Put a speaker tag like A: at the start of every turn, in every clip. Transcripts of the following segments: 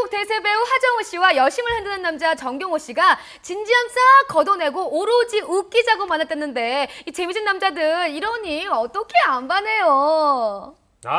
A: 대한민국 대세 배우 하정우 씨와 여심을 흔드는 남자 정경호 씨가 진지함 싹 걷어내고 오로지 웃기자고만 했댔는데 이 재미진 남자들 이러니 어떻게 안 반해요?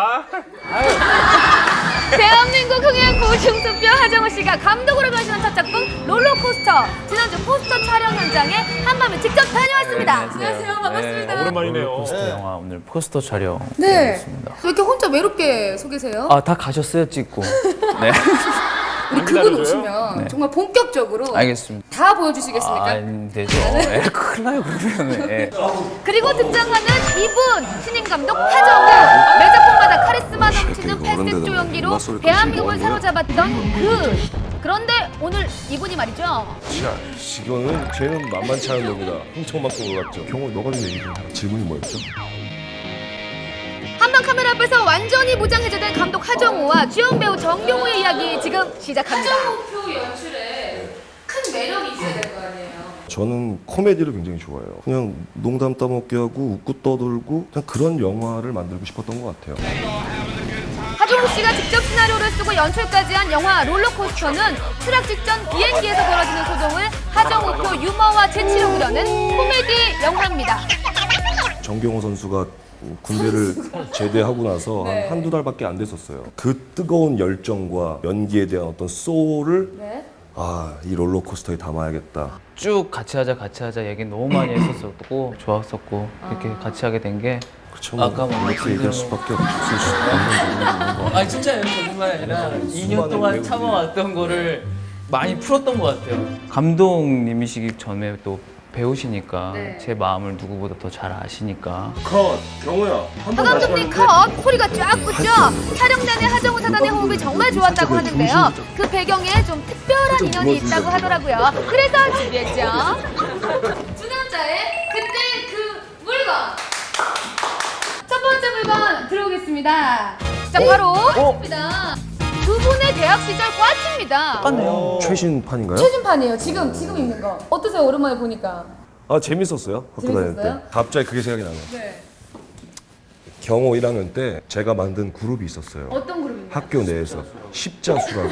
A: 대한민국 흥행 고중수표 하정우 씨가 감독으로 변신한 첫 작품 롤러코스터. 지난주 포스터 촬영 현장에 한밤에 직접 다녀왔습니다.
B: 네,
A: 안녕하세요. 반갑습니다.
B: 오랜만이네요.
C: 포스터 영화 오늘 포스터 촬영.
A: 네.
C: 있습니다.
A: 왜 이렇게 혼자 외롭게 서 계세요?
C: 아, 다 가셨어요, 찍고. 네.
A: 우리 그분 오시면
C: 네.
A: 정말 본격적으로
C: 알겠습니다.
A: 다 보여주시겠습니까?
C: 아, 안 되죠. 예, 큰일 나요, 그러면. 예.
A: 그리고 등장하는 이분 신인 감독 하정우. 매 작품마다 카리스마 넘치는 팔색조 연기로 대한민국을 사로잡았던 그런데 오늘 이분이 말이죠.
D: 자, 이거는 쟤는 만만치 않은 놈이다. 흥청망청 놀았죠. 경호, 너가 좀 얘기 좀 해라. 질문이 뭐였죠?
A: 한방 카메라 앞에서 완전히 무장해제된 감독 하정우와 주연 배우 정경호의 이야기 지금 시작합니다. 하정우 연출에 큰 매력이 있어야 될 거 아니에요.
D: 저는 코미디를 굉장히 좋아해요. 그냥 농담 따먹게 하고 웃고 떠들고 그냥 그런 영화를 만들고 싶었던 것 같아요.
A: 하정우 씨가 직접 시나리오를 쓰고 연출까지 한 영화 롤러코스터는 추락 직전 비행기에서 벌어지는 소동을 하정우표 유머와 재치로 그려낸 코미디 영화입니다.
D: 정경호 선수가 군대를 제대하고 나서
A: 네.
D: 한 한두 달밖에 안 됐었어요. 그 뜨거운 열정과 연기에 대한 어떤 소울을
A: 네.
D: 이 롤러코스터에 담아야겠다.
C: 쭉 같이 하자 얘기 너무 많이 했었었고, 좋았었고, 이렇게 같이 하게 된 게.
D: 그렇죠.
C: 아까 뭐
D: 이렇게 얘기할 수밖에 없을 수 있는 거.
C: 아, 진짜요. 거짓말 아니라 2년 동안
D: 배우들이.
C: 참아왔던 거를 많이 풀었던 것 같아요. 감독님이시기 전에 또 배우시니까
A: 네.
C: 제 마음을 누구보다 더 잘 아시니까.
D: 컷! 경호야.
A: 하 감독님 컷! 소리가 쫙 붙죠? 촬영 내내 하정우 사단의 호흡이 정말 좋았다고 하는데요. 그 배경에 좀 특별한 인연이 있다고 하더라고요. 그래서 준비했죠. 두 남자의 그때 그 물건. 첫 번째 물건 들어오겠습니다. 자, 바로 입니다. 두 분의 대학 시절 꽈치입니다.
C: 똑같네요.
D: 최신판인가요?
A: 최신판이에요. 지금 입는 거. 어떠세요? 오랜만에 보니까.
D: 재밌었어요. 학교 다닐 때.
A: 재밌었어요?
D: 갑자기 그게 생각이 나네요.
A: 네.
D: 경호 1학년 때 제가 만든 그룹이 있었어요.
A: 어떤 그룹인가요?
D: 학교 내에서 십자수라고.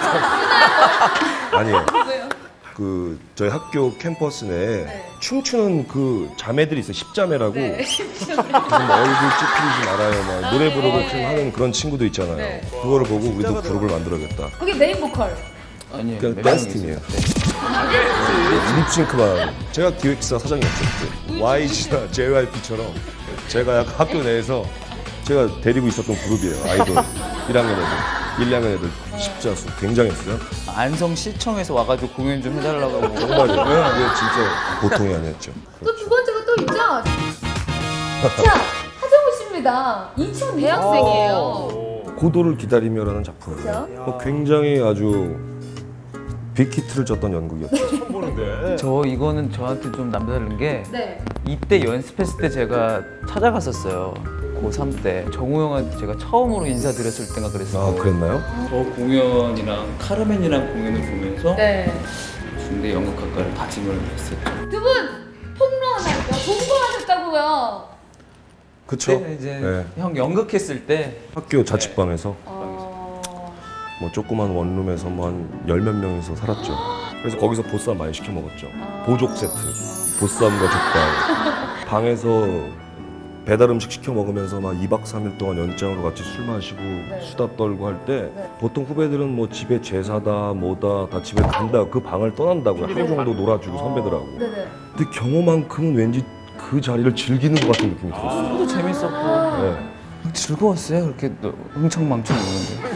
D: 아니에요. 그 저희 학교 캠퍼스 내에 춤추는 그 자매들이 있어요. 십자매라고. 무슨 뭐 얼굴 찌푸리지 말아요. 막 노래 부르고 하는 그런 친구도 있잖아요. 그거를 보고 우리도 그룹을 만들어야겠다.
A: 그게 메인 보컬.
C: 아니에요.
D: 그냥
C: 몇
D: 댄스
C: 명이세요?
D: 팀이에요. 립싱크만. 제가 기획사 사장이었죠. 그때. YG나 JYP처럼 제가 약간 학교 내에서 제가 데리고 있었던 그룹이에요. 아이돌. 1학년 애들, 1, 2학년 애들 십자수 굉장했어요.
C: 안성시청에서 와가지고 공연 좀 해달라고 하고.
D: 정말요. 이게 진짜 보통이 아니었죠.
A: 또 두 번째가 또 있죠. 자, 하정우 씨입니다. 2000 대학생이에요.
D: 고도를 기다리며라는 작품이에요. 굉장히 아주 빅히트를 쳤던 연극이었죠.
C: 저 이거는 저한테 좀 남다른 게
A: 네.
C: 이때 연습했을 때 제가 찾아갔었어요. 고3 때 정우 형한테 제가 처음으로 인사드렸을 때가 그랬어요.
D: 그랬나요?
C: 저 공연이랑 카르멘이랑 공연을 보면서
A: 네.
C: 중대 연극학과를 다짐을 했었죠.
A: 두 분 폭로하셨죠? 동거하셨다고요.
D: 그쵸?
C: 그때 이제
D: 네.
C: 형 연극했을 때
D: 학교 자취방에서
A: 어...
D: 뭐 조그만 원룸에서 뭐 한 열 몇 명이서 살았죠. 그래서 거기서 보쌈 많이 시켜 먹었죠. 보족 세트. 보쌈과 족발. 방에서 배달 음식 시켜 먹으면서 막 2박 3일 동안 연장으로 같이 술 마시고 수다 떨고 할 때 보통 후배들은 뭐 집에 제사다 뭐다 다 집에 간다 그 방을 떠난다고요. 하루 정도 놀아주고 선배들하고.
A: 네네.
D: 근데 경호만큼은 왠지 그 자리를 즐기는 것 같은 느낌이 들었어요.
C: 저도 재밌었고
D: 네.
C: 즐거웠어요. 그렇게 흥청망청 노는데.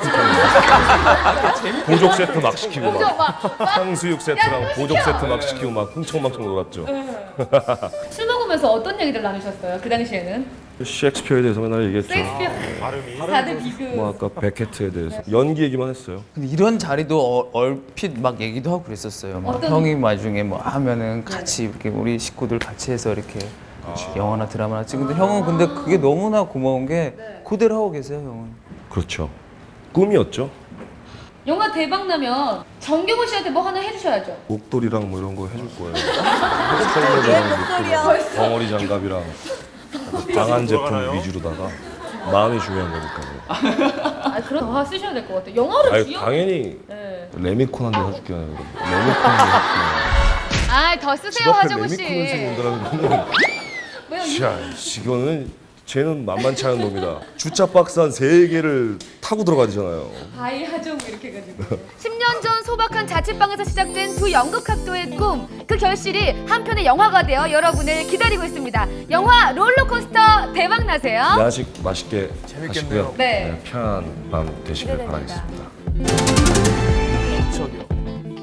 D: 보족 세트 막 시키고
A: 그죠?
D: 막
A: 막
D: 탕수육 세트랑 보족 세트 막 시키고 막 흥청망청 놀았죠.
A: 술 먹으면서 어떤 얘기들 나누셨어요? 그 당시에는?
D: 셰익스피어에 대해서 맨날 얘기했죠.
A: 셰익스피어. 다들 비교.
D: 뭐 아까 베케트에 대해서 연기 얘기만 했어요.
C: 근데 이런 자리도 얼핏 막 얘기도 하고 그랬었어요. 막
A: 어떤-
C: 형이 나중에 뭐 하면은 같이 이렇게 우리 식구들 같이 해서 이렇게 영화나 드라마나 찍는데 형은 근데 그게 너무나 고마운 게 그대로 하고 계세요, 형은.
D: 그렇죠. 꿈이었죠.
A: 영화 대박 나면 정경호 씨한테 뭐 하나 해주셔야죠.
D: 목도리랑 뭐 이런 거 해줄 거예요. 목도리랑 덩어리 장갑이랑 강한 제품 위주로다가 마음이 중요한 거니까요.
A: 그럼 더 쓰셔야 될 것 같아요. 영화를
D: 아니
A: 주연.
D: 당연히
A: 네.
D: 레미콘 한 대 사줄게. 레미콘 한 대 사줄게.
A: 아, 더 쓰세요,
D: 집 앞에
A: 하정우 씨.
D: 레미콘을 생긴다는 거는 자, 이거는 쟤는 만만치 않은 놈이다. 주차 박스 한 3개를 타고 들어가야 되잖아요.
A: 바이 하정우 이렇게 해가지고. 10년 전 소박한 자취방에서 시작된 두 연극학도의 꿈. 그 결실이 한 편의 영화가 되어 여러분을 기다리고 있습니다. 영화 롤러코스터 대박 나세요.
D: 야식 맛있게
C: 재밌겠네요.
D: 하시고요.
A: 네.
D: 편한 밤 되시길
A: 기대됩니다.
D: 바라겠습니다.
C: 저기요.